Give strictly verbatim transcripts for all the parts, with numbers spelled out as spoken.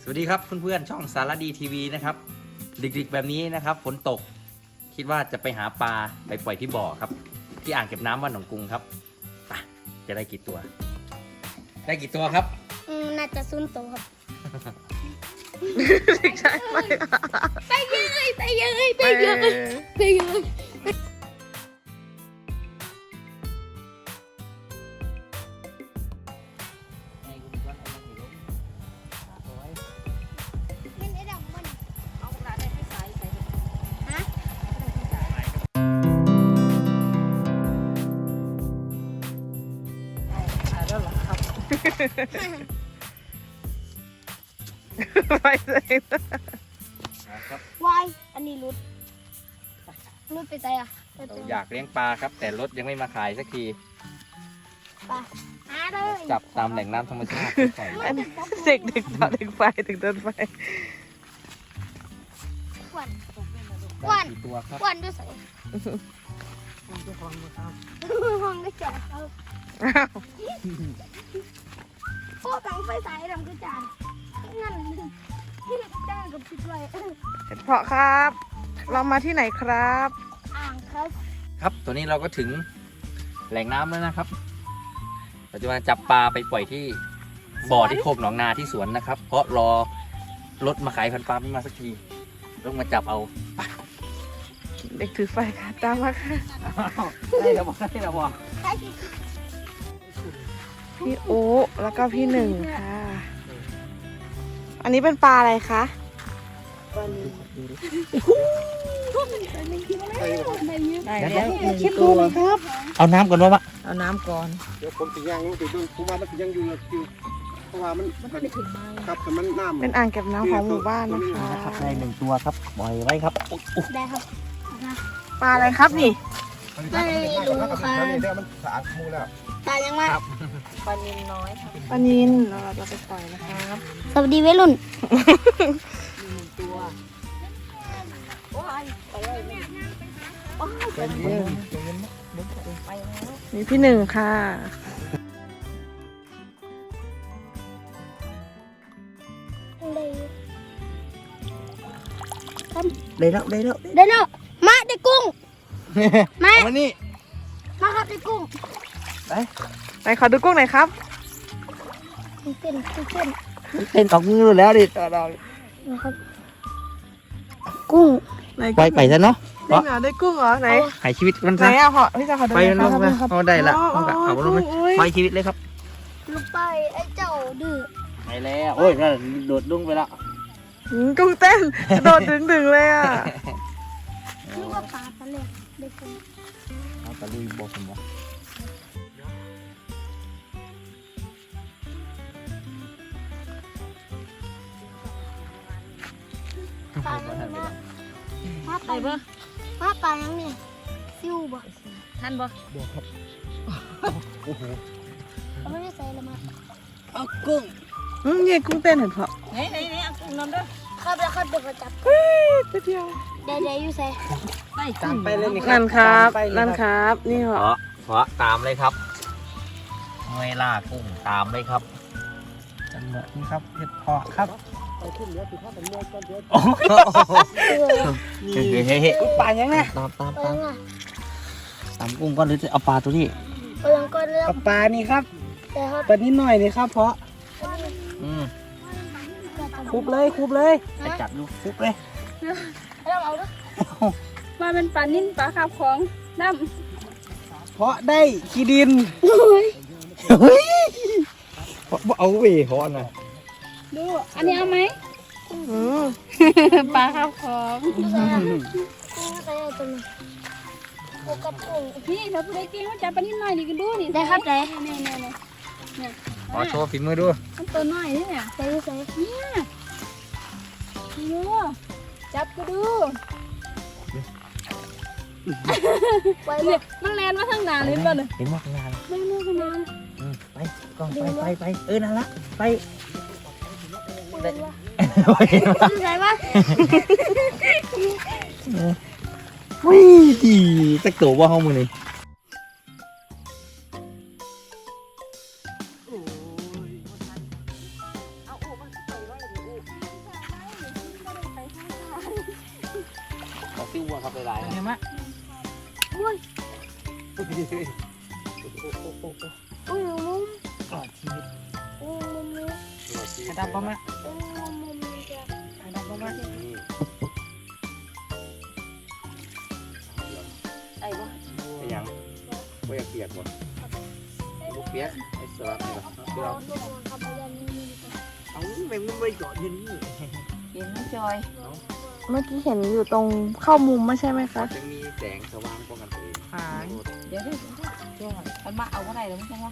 สวัสดีครับเพื่อนๆช่องสารดีทีวีนะครับดึกๆแบบนี้นะครับฝนตกคิดว่าจะไปหาปลาไปปล่อยที่บ่อครับที่อ่างเก็บน้ำวัดหนองกรุงครับไปจะได้กี่ตัว ได้กี่ตัวครับอืมน่าจะซุนโตครับใช่ไหมไปเยยไปเยยไปเยยไปเยยมันไอ้ดำมันเอาปลาได้ที่สายใส่ฮะแล้วเหรอครับไปเลยครับวายอันนี้รุดรุดไปใจอ่ะไปเราตัวอยากเลี้ยงปลาครับแต่รถยังไม่มาขายสักทีปลาหาเลยจับตามแหล่งน้ำธรรมชาติใส่เด็กเด็กต่อเด็กไฟถึงต้นไฟควันได้กี่ตัวครับควันด้วยใส่ห้องก็แจกเอาอ้าวโอ้ตังไฟสายดำก็จานนั่นที่เราจ้างกับพิษไว้เห็ดเพาะครับ เรามาที่ไหนครับอ่างครับครับตัวนี้เราก็ถึงแหล่งน้ำแล้วนะครับเราจะมาจับปลาไปปล่อยที่บ่อที่โคกหนองนาที่สวนนะครับ เพราะรอรถมาขายพันปลาไม่มาสักทีต้องมาจับเอาเด็กถือไฟค่ะตามมาค่ะได้แล้วบอกได้แล้วบอกใช่ที่พี่โอ๊แล้วก็พี่หนึ่งค่ะ อันนี้เป็นปลาอะไรคะได้แล้วหนึ่งตัวเอาน้ำก่อนวะเอาน้ำก่อนเดี๋ยวผมติย่างมันติดด้วยผมว่ามันติยังอยู่อยู่เพราะว่ามันมันไม่ถึงไม้ครับแต่มันน้ำเป็นอ่างเก็บน้ำของหมู่บ้านนะคะครับได้หนึ่งตัวครับปล่อยไว้ครับได้ครับปลาอะไรครับนี่ไม่รู้ค่ะแล้วนี่เดี๋ยวมันสะอาดมูแล้วตายยังไงปลานินน้อยปลานินเราเราไปปล่อยนะครับสวัสดีวัยรุ่นมีพี่หนึ่งค่ะได้แล้วได้แล้วได้แล้วมาได้กุ้ง มาเอามานี่มาครับได้กุ้งไหนขอดูกุ้งหน่อยครับเต้นเต้นเต้นออกมือแล้วดินะครับกุ้งไหนปล่อยไปซะเนาะได้เหรอได้กุ้งเหรอไหนหายชีวิตมันไหนซะอ่ะพอพี่จะขอดูไปมันลงคมารับเอาได้ละอ๋อเอาเอาลงมาโอ้ยไปชีวิตเลยครับลูกไปไอ้เจ้าดื้อไปแล้วโอ้ยนั่นโดดลงไปแล้วหืมกุ้งเต้นกระโดดดึงดึงๆเลยอ่ะนึกว่าปลาทะเลได้กุ้งเอาตะลุยบอกผมว่าปลายังไงมาปลามาปลายังนี่ซิวบ่ท่านบ่บอกครับโอ้โหเขาไม่ได้ใส่ละมาเอากุ้งอืมเนี่ยกุ้งเต้นเห็นเพาะไหนไหนไหนเอากุ้งนำด้วยครับแล้วครับเดี๋ยวเขาจับเฮ้ยตัวเดียวเดี๋ยวเดี๋ยวอยู่ใส่ตามไปเลยนี่นั่นครับตามไปเลยนั่นครับ นี่เหรเพอราะเพราะตามเลยครับเวลากุ้งตามเลยครับจังหวะนี้ครับเห็ดเพาะครับไปขึ้นเหนือสิพ่อเป็นเมื่อก่อนเดี๋ยวโอ้โหเออเฮ้ยเฮ้ยเฮ้ยปลายังไงตามตามไปตามยังไงตามกุ้งก่อนหรือจะเอาปลาตัวนี้ไปยังก่อนแล้วกับปลานี่ครับแต่เขาปลานิดหน่อยนี่ครับเพราะอืมคุบเลยคุบเลยไปจับดูฟุกเลยเราเอาด้วยมาเป็นปลานิ่นปลาคาบของน้เพราะได้ขี้ดินเฮ้ยเพราะเอาเว่เพราะนะำดู อันนี้เอาไหมอืมปลาคาบของใส่อะกุ้งใส่อะไรตัวนี้โอ้กับกุ้งนี่ถ้าผู้ใดเก่งก็จับปลานิ่นหน่อยนี่ก็ดูนี่ได้ครับได้เนี่ยเนี่ยเนี่ยเนี่ยขอโชว์ฝีมือดูมันตัวน้อยนี่เนี่ยใส่ใส่เนี่ยดูจับก็ดูไปเลเนี่ย ยมันแลนมาทางหน้าเลยป่ะเนี่ยเห็นว่าข้างหน้าเลยไม่รู้กันนะอืมไปกล้องไปไปไปเออนั่นละไปใส่ปะวิ่งดีสักตัวว่าห้องมึงนี่ห็นไหมอุ้ยโอ้โหโอ้โหโอ้โหอุ้ยมุมกอดชีวิตอุ้ยมุมมุมกระดับบ้างไหมอุ้ยมุมมุมจะกระดับบ้างไหมไอ้บ่ไอ้ยังไม่อยากเปียกหมดลูกเปียกไอ้สลับนี่หรอเราตัวกับพยันนี่เอาไม่ไม่เจาะยืนนี่เห็นจอยเมื่อกี้เห็นอยู่ตรงเข้ามุมไม่ใช่ไหมคะจะมีแสงสว่างป้องกันตัวเองหางเดี๋ยวเดี๋ยวเดี๋ยวมันมาเอาอะไรแล้วมั้งใช่ไหม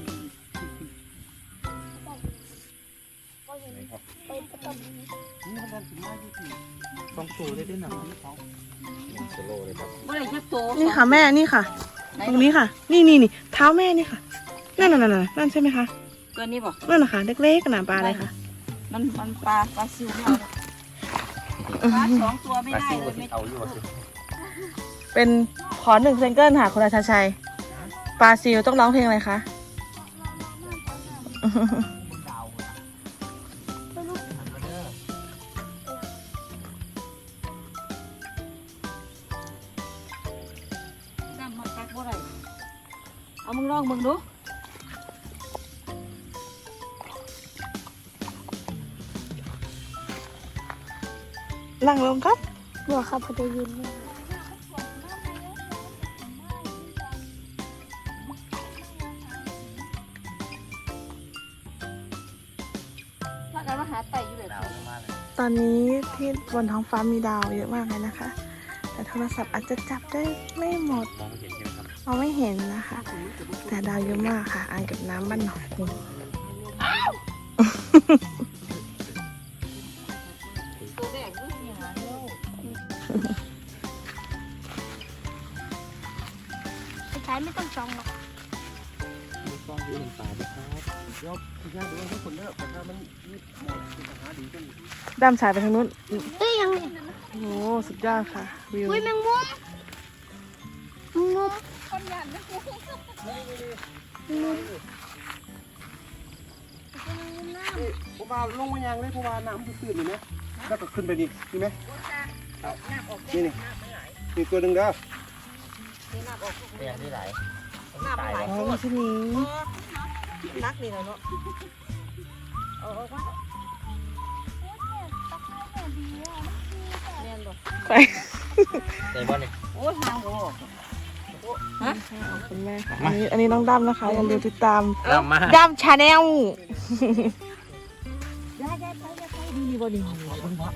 ก็เห็นครับไปประตูนี่มันดันถึงมาที่สี่ต้องสูได้ด้วยหนังโซโล่เลยครับเมื่อไหร่จะโตนี่ค่ะแม่นี่ค่ะ ตรงนี้ค่ะ นี่นี่นี่เท้าแม่นี่ค่ะ นั่นนั่นนั่นนั่นใช่ไหมคะตัวนี้บอกนั่นนะคะเล็กๆขนาดปลาอะไรคะมันมันปลาปลาซิวไม่เอาปลาสองตัวไม่ปลาได้ซิวเลยไม่เอาอยู่สิเป็นขอหนึ่งซิงเกิลค่ะคุณราชาชัยปลาซิลต้องร้องเพลงอะไรคะดำมาตักบ่ได้เอามึงลองมึงดูนั่งลงครับหัวขับพยันนี่ถ้าการมาหาไต่อยู่แบบดาวมากเลยตอนนี้ที่บนท้องฟ้ามีดาวเยอะมากเลยนะคะ แต่โทรศัพท์อาจจะจับได้ไม่หมดมองไม่เห็นใช่ไหมครับมองไม่เห็นนะคะ แต่ดาวเยอะมากค่ะ อ่างเก็บน้ำบ้านหนองกุงตัวแรกดูสิหาเร็วสุดท้ายไม่ต้องจองหรอกมีกล้องยืนป่าด้วยครับเดี๋ยวพี่ชายดูว่าทุกคนเลิกแต่ถ้ามันนี่หมดปัญหาดีขึ้นด้ามฉายไปทางนู้นเอ้ยยังโอ้โหสุดยอดค่ะ วิวอุ้ยแมงมุมแมงมุมคนยันนะกูผมว่าลงมายังเลยเพราะว่าน้ำมันตื้นอยู่นะแล้วก็ขึ้นไปนี่นี่ไหมนี่นี่นี่ตัวหนึ่งเด้อเนี่ยที่ไหนหน้าปลาไหลอ๋อไม่ใช่นี้นักนี่เลยเนาะเอาเอาว่าเรียนบ่ไปในบ้านนี่โอ้ยหางบ่ฮะขอบคุณแม่ค่ะ อันนี้อันนี้น้องด้ามนะคะ อย่าลืมติดตามเรามาด้ามชาแนลได้ได้ไปได้ไปดีบ่ดีบ่บ่บ่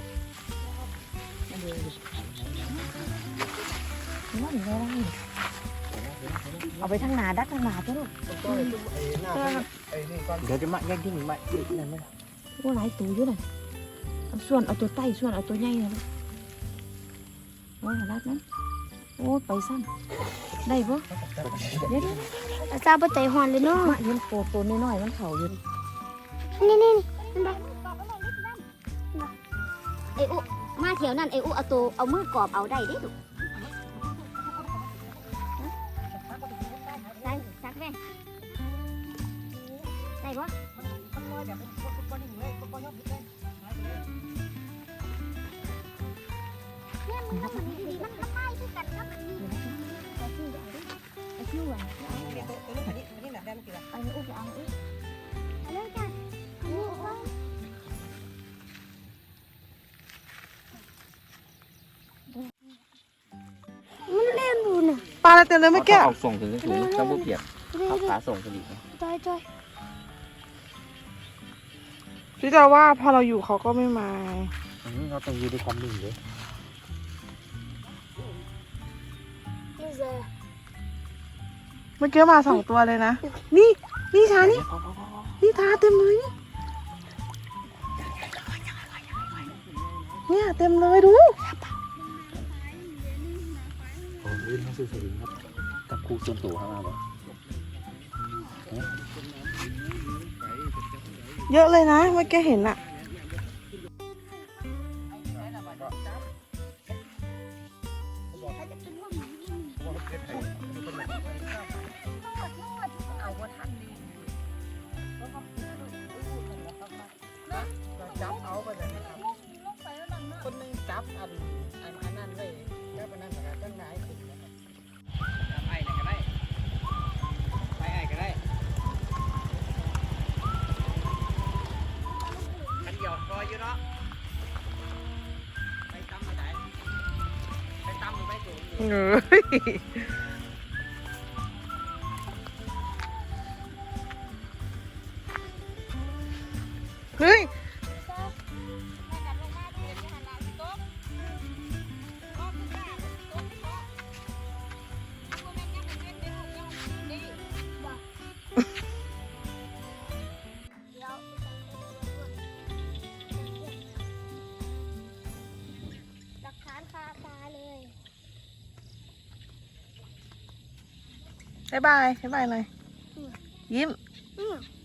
เอาไปทางหนาดักทางหนาจ้ะลูกไอ้หน้าไอ้นี่ก่อนเดี๋ยวจะมาแย่งที่หนึ่งมาอีกนั่นไหมโอ้หลายตัวอยู่น่ะเอาส่วนเอาตัวใต้ส่วนเอาตัวใหญ่นะลูกโอ้ยรัดนั้นโอ้ไปซ้ำได้บ่เดี๋ยวอาจารย์ปะใจหอนเลยเนาะๆมาเห็นโตตัวน้อยๆมันเข่าอยู่นี่นี่นี่เห็นปะไอ้อุมาเถียวนั่นไอ้อุเอาตัวเอามือกรอบเอาได้ดิลูกได้ซักแม่ได้ปะเนี่ยมันมันมันมันไล่ที่กันนะมันนี่ไอ้ชื่อไอ้ชื่ออะไรไอ้อุไปเอาอุเอาเลยจ้ะเอาเลยเอามันเล่นดูน่ะปลาอะไรเต็มเลยเมื่อกี้เอาส่งถึงถึงเจ้าบุเปียกเล่เอานขาส่งถึงอีกจอยจอยพี่จะว่าพอเราอยู่เขาก็ไม่มาเราต้องยืนด้วยความนิ่งเลยนี่เจอเมื่อกี้มาสองตัวเลยนะ นี่ นี่ชานี่ นี่ทาเต็มเลยนี่เนี่ยเต็มเลยดูโอ้ลื่นทั้งสื่อสลิงครับกับครูส่วนตัวข้างล่างเลยเยอะเลยนะ เมื่อกี้เห็นอะจับเอาไปเลยนะครับคนหนึงจับอันอันอันนั้นไว้จับอันนั้นสกัดตั้งหนาเอ้ยเฮ้ยหลักฐานคาตาเลยบ๊ายบายบ๊ายบายหน่อยยิ้มอืม